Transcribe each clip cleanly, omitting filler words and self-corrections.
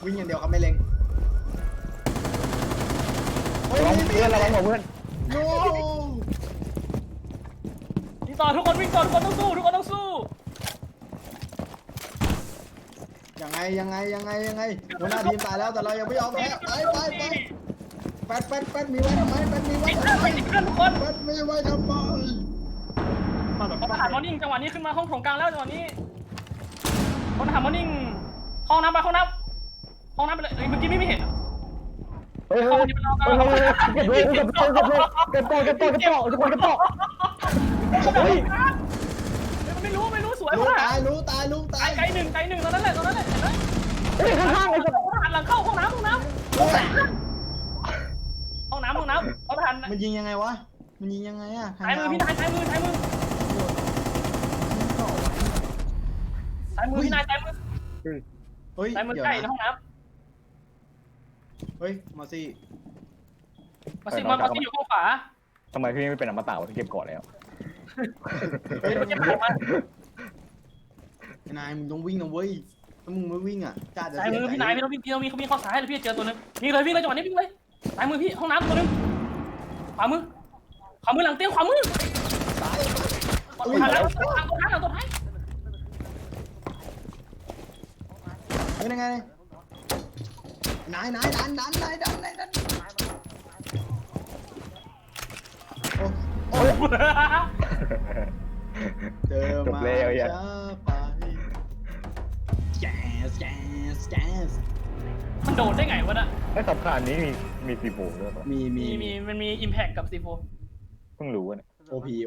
วิ่งอย่างเดียวครับไม่เล็งเฮ้ยระวังเพื่อนระวังหัวเพื่อนโน้วิ่งต่อทุกคนวิ่งต่อทุกคนต้องสู้ทุกคนต้องสู้ยังไงหัวหน้าทีมตายแล้วแต่เรายังไม่ยอมแพ้ไปแปดมีไว้ทำไมแปดมีไว้ทำไมเพื่อนทุกคนแปดมีไว้ทำไมมาแบบเขาทหารมอร์นิ่งจังหวะนี้ขึ้นมาห้องโถงกลางแล้วจังหวะนี้คนทหารมอร์นิ่งห้องน้ำไปไปเลยเมื่อกี้ไม่เห็นเฮ้ยเฮ้ยเก็บเลยเก็บตัวทุกคนเก็บตัวเฮ้ยไม่รู้สวยลูมากตายลูกตายไกลหนึ่งตอนนั้นแหละเห็นไหมเฮ้ยข้างๆไอ้สัตว์ทหารหลังเข้าห้องน้ำเอาทหารมันยิงยังไงวะมันยิงยังไงอะซ้ายมือพี่นายซ้ายมือพี่นายซ้ายมือเฮ้ยซ้ายมือใกล้ในห้องน้เฮ้ยมาสิำมาสิอยู่ข้างขวาทำไมพี่ไม่เป็นอมตะวะที่เก็บก่อนแล้วเฮ้ยมันจะผ่านมานายมึงต้องวิ่งนะเว้ยถ้ามึงไม่วิ่งอ่ะจ้าจะซ้ายมือพี่นายพี่ต้องวิ่งเขาเข้าซ้ายเลยพี่เจอตัวนึงวิ่งเลยจังหวะนี้วิ่งเลยซ้ายมือพี่ห้องน้ำตัวนึงขวามือหลังเตียงขวามือตายหลังตัวท้ายเฮ้ยยังไงนายดันโอ้เจอมาช้าไปแจ๊สมันโดดได้ไงวะน่ะไอ้สับขานี้มีสีโผล่ด้วยป่ะมันมีอิมแพคกับซีโฟเพิ่งรู้เนี่ยโอพี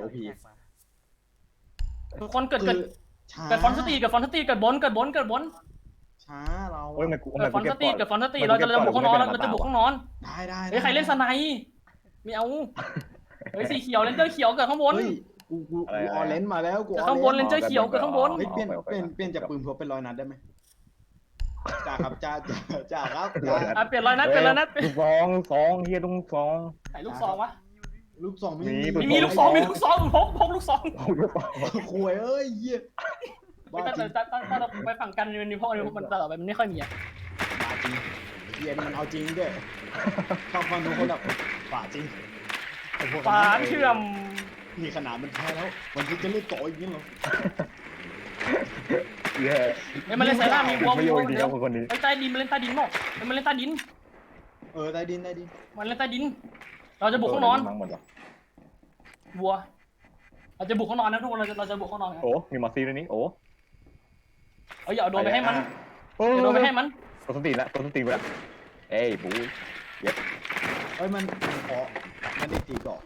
คนเกิดฟอนสตีเกิดบนช้าเราโอ้ยมันกูเกิดฟอนสตีเราจะบุกห้องนอนได้เฮ้ยใครเล่นสไนไม่เอาเฮ้ยสีเขียวเลนเจอร์เขียวเกิดข้างบนเฮ้ยกูออเลนมาแล้วกูเกิดข้างบนเลนเจอร์เขียวเกิดข้างบนเฮ้ยเปลี่ยนจากปืนพกเป็น100 นัดได้ไหมจ่าครับจ่าครับเปลี่ยนรอยนัดลูกซองเฮียลูกซองไหนลูกซองวะลูกสองมีลูกซองพกลูกซองคุยเอ้ยเหี้ยบ้าตั้งจริงแต่เราไปฝั่งกันมันมีพวกมันตลอดไปมันไม่ค่อยมีอ่ะบ้าจริงเหี้ยนี่มันเอาจริงด้วยฟังทุกคนแบบบ้าจริงฝาเชื่อมนี่ขนาดมันแพ้แล้วมันจะเล่นต่ออีกนี่เหรอเย้มันเล่นไซร่ามีวอลไม่โยนดีแล้วคนนี้ใต้ดินมันเล่นใต้ดินมั้งมันเล่นใต้ดินใต้ดินมันเล่นใต้ดินเราจะบุกห้องนอนวัวเราจะบุกห้องนอนนะทุกคนเราจะบุกห้องนอนโอ้มีมาซีด้วยนี่โอ้อย่าโดนไปให้มันอย่าโดนไปให้มันตัวสติละเอ้ยบูเย็บเฮ้ยมันขอมันได้ตีก่อน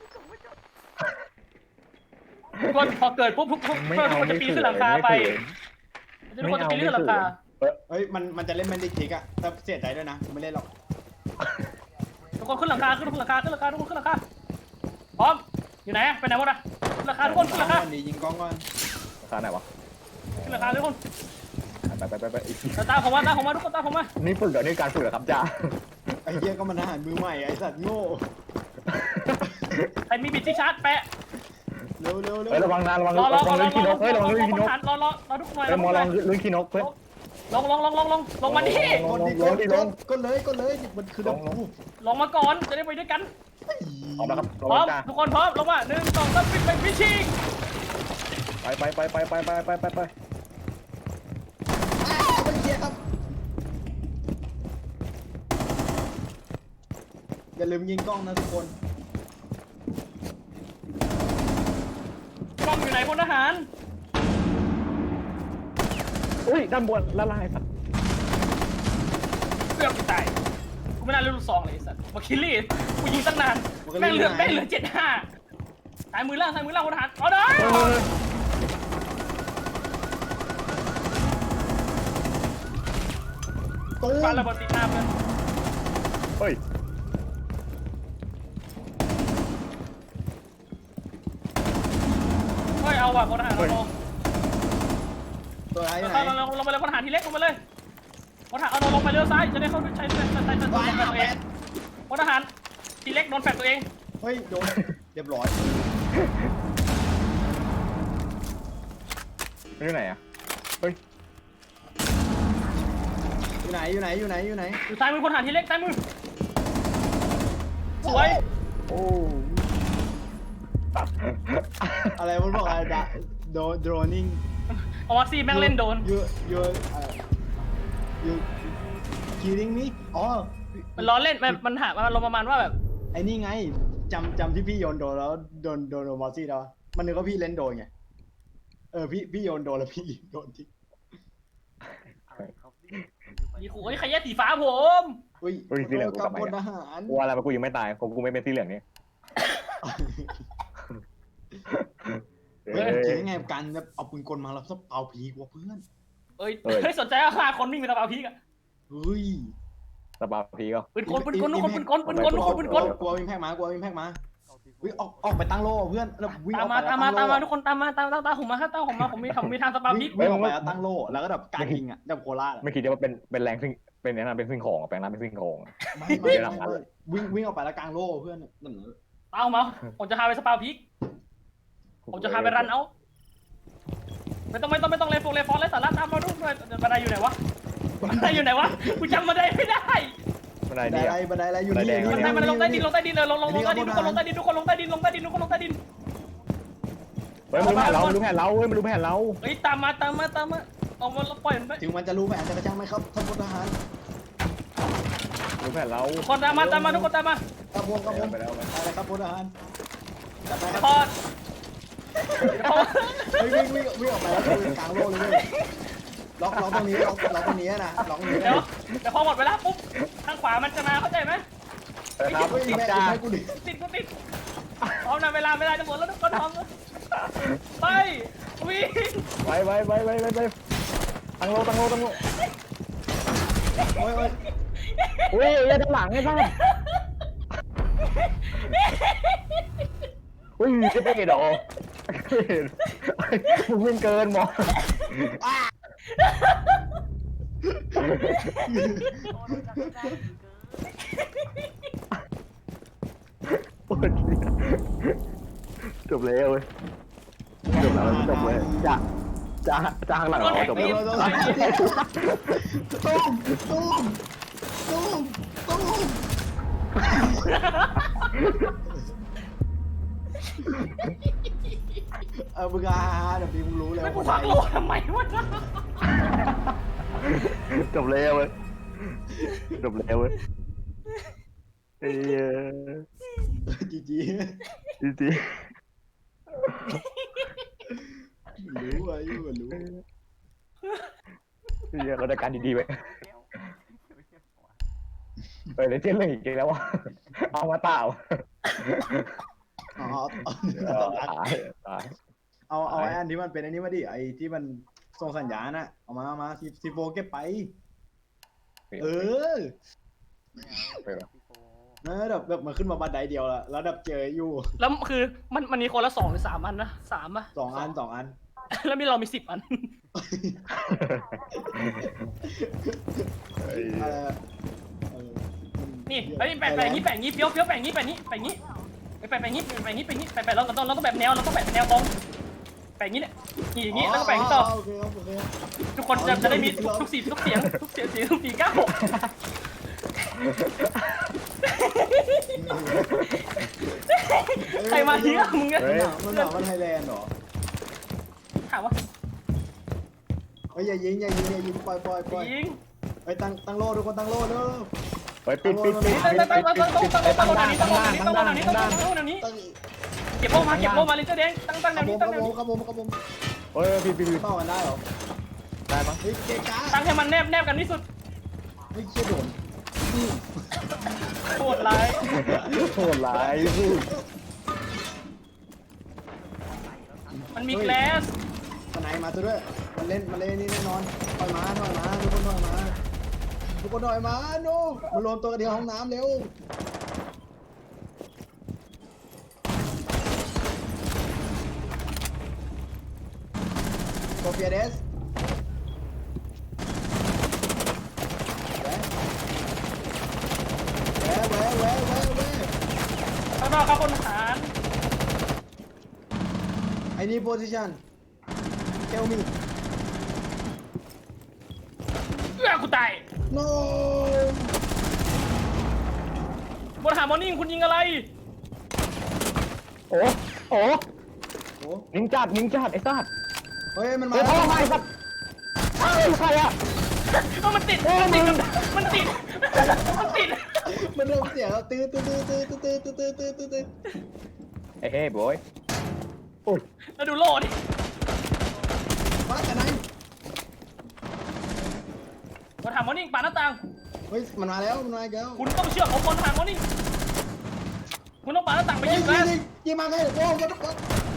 ทุกคนพอเกิดปุ๊บทุกคนจะปีนขึ้นหลังคาไปทุกคนจะปีนขึ้นหลังคาเฮ้ยมันจะเล่นแมนดิคิกอะแต่เสียใจด้วยนะไม่เล่นหรอกทุกคนขึ้นหลังคาทุกคนขึ้นหลังคาพร้อมอยู่ไหนไปไหนหมดอ่ะขึ้นหลังคาทุกคนขึ้นหลังคายิงกล้องก่อนราคาไหนวะขึ้นหลังคาทุกคนไปตาผมมาทุกคนตาผมมานี่ฝึกเหรอนี่การฝึกเหรอครับจ้าไอ้เหี้ยก็มันทหารมือใหม่ไอ้สัตว์โง่ใครมีบิดที่ชาร์จแปะเร็วเฮ้ยระวังนะระวังลื่นขี้นกเฮ้ยระวังลื่นขี้นกรอทุกคนเฮ้ยมอลองลื่นขี้นกเฮ้ยลงมาดิกดเลยมันคือดับฟูลงมาก่อนจะได้ไปด้วยกันพร้อมแล้วครับพร้อมทุกคนพร้อมลงมา1 2 3ไปพิชิงไปเป็นเหี้ยครับอย่าลืมยิงกล้องนะทุกคนกล้องอยู่ไหนพลทหารอุ้ยด้านบนละลายสัตว์เกือบตายกูไม่น่าเลือกลูกซองเลยสัตว์มาคิลลี่กูยิงตั้งนานแม่งเหลือ75ซ้ายมือล่างพลทหารเอาได้ปาระเบิดติดหน้าเพื่อนเฮ้ยเอาว่ะพลทหารเราลงตัวไหนลงไปเลยพลทหารทีเล็กลงไปเลยพลทหารเอาลงไปเลี้ยวซ้ายจะได้เข้าใช้ตัวเองพลทหารทีเล็กโดนแฟดตัวเองเฮ้ยโดนเรียบร้อยไม่อยู่ไหนอ่ะเฮ้ยไหนอยู่ไหนอยู่ไหนอยู่ไหนอยู่ซ้ายมือพลทหารทีเล็กซ้ายมือสวยโอ้อะไรมันบอกอะไรโดรนิ่งเอาวัคซีนแม่งเล่นโดนยูคิริงนี่อ๋อมันล้อเล่นมันถามมันลงประมาณว่าแบบไอ้นี่ไงจำที่พี่โยนโดนแล้วโดนมอสซี่แล้วมันนึกว่าพี่เล่นโดนไงพี่โยนโดนแล้วพี่ยิงโดนที่มีขู่ใครแย่สีฟ้าผมอุ้ยสีเหลืองกูกักลับบมาพลทหารกูอะไรมากูยังไม่ตายกูไม่เป็นสีเหลืองนี่เฮ้ยคิดยังไงกับการแบบเอาปืนกลมาแล้วเอาผีกว่าเพื่อนเฮ้ยสนใจว่าฆ่าคนวิ่งไปตะเบาพีกอะเฮ้ยสปาพีก็ปืนกลทุกคนปืนกลทุกคนปืนกลกลัววินแพกมากลัววินแพกมาวิ่งออกไปตั้งโล่เพื่อนแล้ววิ่งตามออกมาไปตามมาตามมาทุกคนตามมาตามผมมาครับตามผมมาผมมีทางสปาพีกวิ่งออกไปแล้วตั้งโล่แล้วก็แบบการยิงอ่ะแบบโคราชไม่คิดว่าเป็นแรงซึ่งเป็นนั้นเป็นซึ่งของแปลงนั้นเป็นซึ่งของไม่วิ่งออกไปแล้วกลางโล่เพื่อนนั่นตามมาผมจะพาไปสปาพีกผมจะพาไปรันเอาไม่ต้องเลยโฟร์เลยฟอนเลยสาระตามมาดูเลยบันไดอยู่ไหนวะบันไดอยู่ไหนวะกูจำบันไดไม่ได้บันไดบันไดอะไรอยู่นี่มันลงใต้ดินเลยลงใต้ดินทุกคนลงใต้ดินทุกคนลงใต้ดินลงใต้ดินทุกคนลงใต้ดินเฮ้ยมันรู้แผนเราเฮ้ยมันรู้แผนเราเฮ้ยตามมาเอามาปล่อยมันไปถึงมันจะรู้แผนจะกระช่างไหมครับท่านพลทหารรู้แผนเราคนตามมาทุกคนตามมาครับผมอะไรครับพลทหารจัดไปครับพอดวิ่งออกไปแล้วกลางโล่เลยล็อกตรงนี้ล็อกตรงนี้นะล็อกตรงนี้เดี๋ยวพอหมดเวลาปุ๊บทางขวามันจะมาเข้าใจไหมครับแม่จ้ากูดิติดพร้อมนะเวลาจะหมดแล้วทุกคนพร้อมไปวิ่งไปตั้งโลโอ้ยอุ้ยอย่าด้านหลังไอ้บ้าอุ้ยจะไปเหรอมึงวิ่งเกินหมอจบแล้วเว้ยจบเลยจะข้างหลังเราจบแล้วตุ้มมึงเดี๋ยวพี่มึงรู้เลยไม่กูฟังโลทำไมวะจบแล้วเว้ยจีจีรู้อ่ะรู้เราได้การดีๆไปเลยเจ๊เลยอีกแล้ววะเอามาเปล่าตายเอาไอ้อันที่มันเป็นอันนี้มาดิไอ้ที่มันส่งสัญญาณน่ะเอามาซีโฟเก็บไปนะแบบมันขึ้นมาบันไดเดียวแล้วดับเจออยู่แล้วคือมันมีคนละ2 หรือ 3 อันนะ3 ป่ะ 2 อันแล้วเรามี10 อันนี่ไอ้แปะงี้เฟี้ยวแปะงี้ไปเราต้องแบบแนวเราต้องแบบแนวตรงแปะงี้เนี่ยอย่างงี้แล้วก็แปะต่อทุกคนจะได้มีทุกเสียงทุกปีก้าวใครมาเที่ยวมึงเนี่ยมันหนาวมันไทยแลนด์หรอถามว่าเฮ้ยอย่ายิงปล่อยยิงไปตั้งโล่ทุกคนตั้งโล่เด้อไปปิดตั้งนี้เก็บโล่มาลินเจอร์แดงตั้งแนวนี้ครับผมเฮ้ยปิดเป้ากันได้หรอได้ปะเฮ้ยเกก้าตั้งให้มันแนบกันที่สุดเฮ้ยเชี่ยโดนโคตรร้ายโหดร้ายสู้มันมีแกลสสไนมาตัวด้วยมันเล่นนี่แน่นอนถอยมาทุกคนถอยมาโน่มารวมตัวกันที่ห้องน้ำเร็วโซเฟียเดสแวข้างนอกครับพลทหาร I need position tell me กูตาย no บนหามอร์นิ่งคุณยิงอะไรโอ้โอ้โอ้ยิงจัดไอ้สัตว์เฮ้ยมันมาเฮ้ยพ่อมาไอ้สัตว์เฮ้ยใครอะมันติดมันติดมันเริ่มเสียงแล้วตื้อตื้อตื้อตื้อตื้อตื้อตื้อตื้อตื้อตื้อเฮ้ยบอยโอ้ยแล้วดูโลดิมาแต่ไหนบนหามอร์นิ่งปาหน้าต่างเฮ้ยมันมาแล้วมันมาแล้วคุณต้องเชื่อผมบนหามอร์นิ่งคุณต้องปาหน้าต่างไปยิยิงงแก๊สยิงมาไงโอ้มันมัน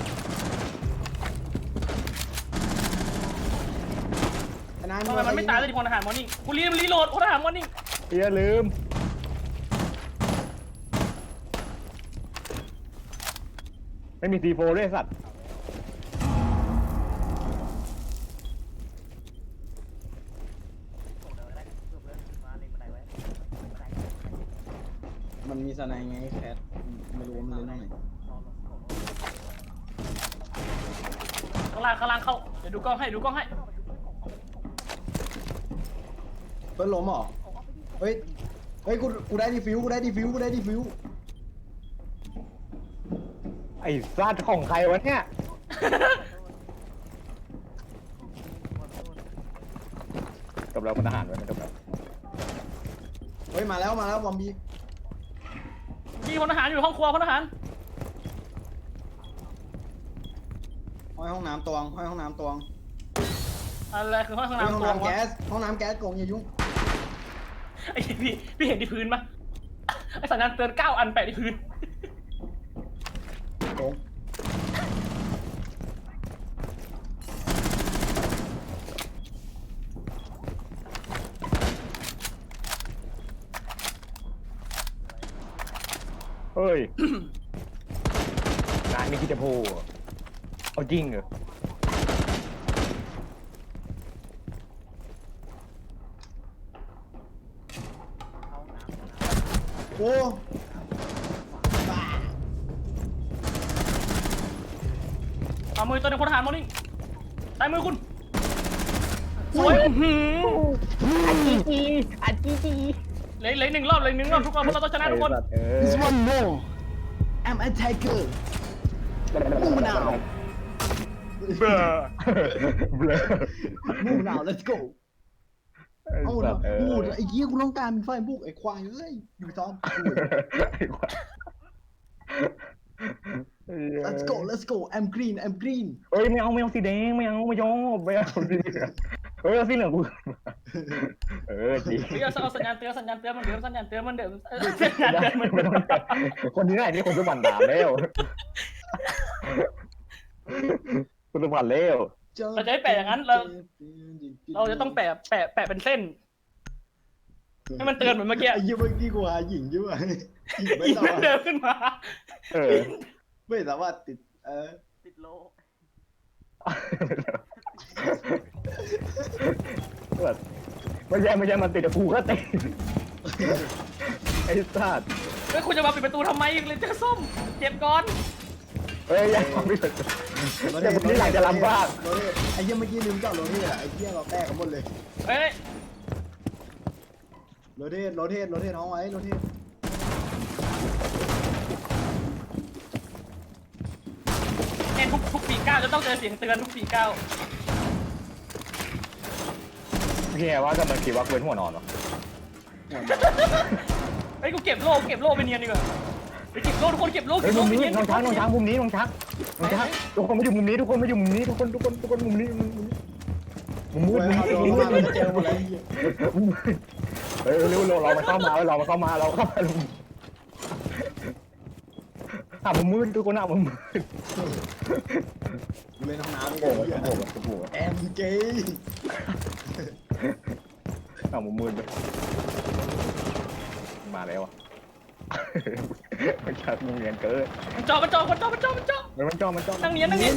ทำไมมันไม่ตายเลยที่พลทหารมอร์นิ่งคุณรีโหลดพลทหารมอร์นิ่งอย่าลืมไม่มี C4 ด้วยสัตว์มันมีสไนไงแคทไม่รู้ว่ามันเล่นตรงไหนข้างล่างเข้าเดี๋ยวดูกล้องให้เพิ่นล้มเหรอเฮ้ยเฮ้ยกูได้ดีฟิวกูได้ดีฟิวไอ้สัตว์ของใครวะเนี่ยจบแล้วมันทหารไว้มันจบแล้วเฮ้ยมาแล้วบอมบี้มีพลทหารอยู่ห้องครัวพลทหารห้องน้ำตวงอะไรคือห้องห้องน้ำตัวน้ำแก๊สโกงอย่ายุ่งไอ้พี่เห็นที่พื้นปะไอ้สัญญาณเตือน9 อันแปะที่พื้นโกงเฮ้ย นายไม่คิดจะโผล่เอาจริงเหรอโอ้บ้าเอามือตัวหนึงพลทหารมอร์นิ่งใต้มือคุณสวยอาจีจีเหลืออีกหนึ่งรอบทุกคนเราต้องชนะทุกคน This one more I'm attacker มูนาวเบลอเบลอมูนาว let's go เอาเนาะพูดไอ้เหี้ยกูต้องการไฟบุกไอ้ควายเอ้ยอยู่ซ้อม let's go I'm green เฮ้ยไม่เอาสีแดงไม่เอาสีเหลืองเฮ้ยเอาสีเหลืองกูจริงเฮ้ยเอาสัญญาณเตือนมันเดิมไม่ต้องคนที่ไหนนี่คนจะหวั่นด่าแล้วคนจะหวั่นแล้วเราจะไม่แปะอย่างนั้นเราจะต้องแปะเป็นเส้นให้มันเตือนเหมือนเมื่อกี้ไอ้เหี้ยเมื่อกี้กูหาหญิงอยู่อ่ะหญิงไม่ยิงสามารถเดินขึ้นมาไม่สามารถติดโลไม่ใช่มันติดแต่กูก็ติดไอ้สัตว์เฮ้ยคุณจะมาปิดประตูทำไมเลยเจอส้มเจ็บก่อนเฮ้ยยังไม่ถึงแต่ผมนี่อยากจะลำบากไอ้เหี้ยเมื่อกี้ลืมจอดรถที่ไหนไอ้เหี้ยเราแตกกันหมดเลยเฮ้ยรถเทศน้องไว้รถเทศเอ็นทุกปีก้าวจะต้องเจอเสียงเตือนทุกปีก้าวเฮียว่าจะมันคิดว่าเว้นหัวนอนหรอเฮ้ยกูเก็บโล่ไปเนียนดีกว่าไปเก็บโล่ทุกคนเก็บโล่เฮ้ยมุมนี้น้องช้างมุมนี้น้องช้างทุกคนมาอยู่มุมนี้ทุกคนมุมนี้มุมมืดเราเจอหมดแล้วเฮ้ยเร็วเรามาเข้ามามุมมืดทุกคนมุมมืดเล่นห้องน้ำโอ้โหแอมเกย์มุมมืดเลยมาแล้วอ่ะมันชักมึงเรียนเกินมันจ่อนั่งเนียนหนี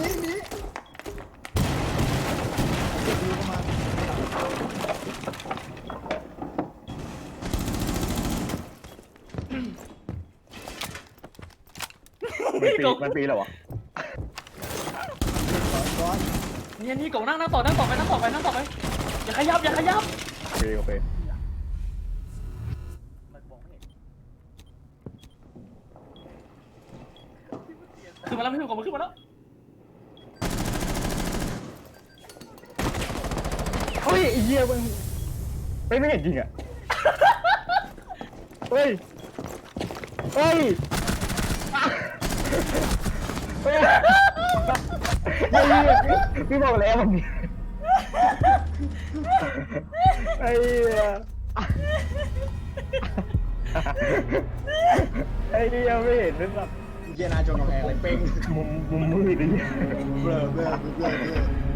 มันปีแล้ววะนี่กงนั่งต่อไปอย่าขยับโอเคขึ้นมาแล้วพี่ผมขึ้นมาแล้วเฮ้ยไอ้เหี้ยมึงไม่เห็นจริงอ่ะเฮ้ยเฮ้ยเฮ้ยพี่บอกแล้วมันไอ้เหี้ยไอ้เหี้ยไม่เห็นหรือเปล่าเยียนาจนกำแพงเลยเป้งมุมมืดดิเบลอ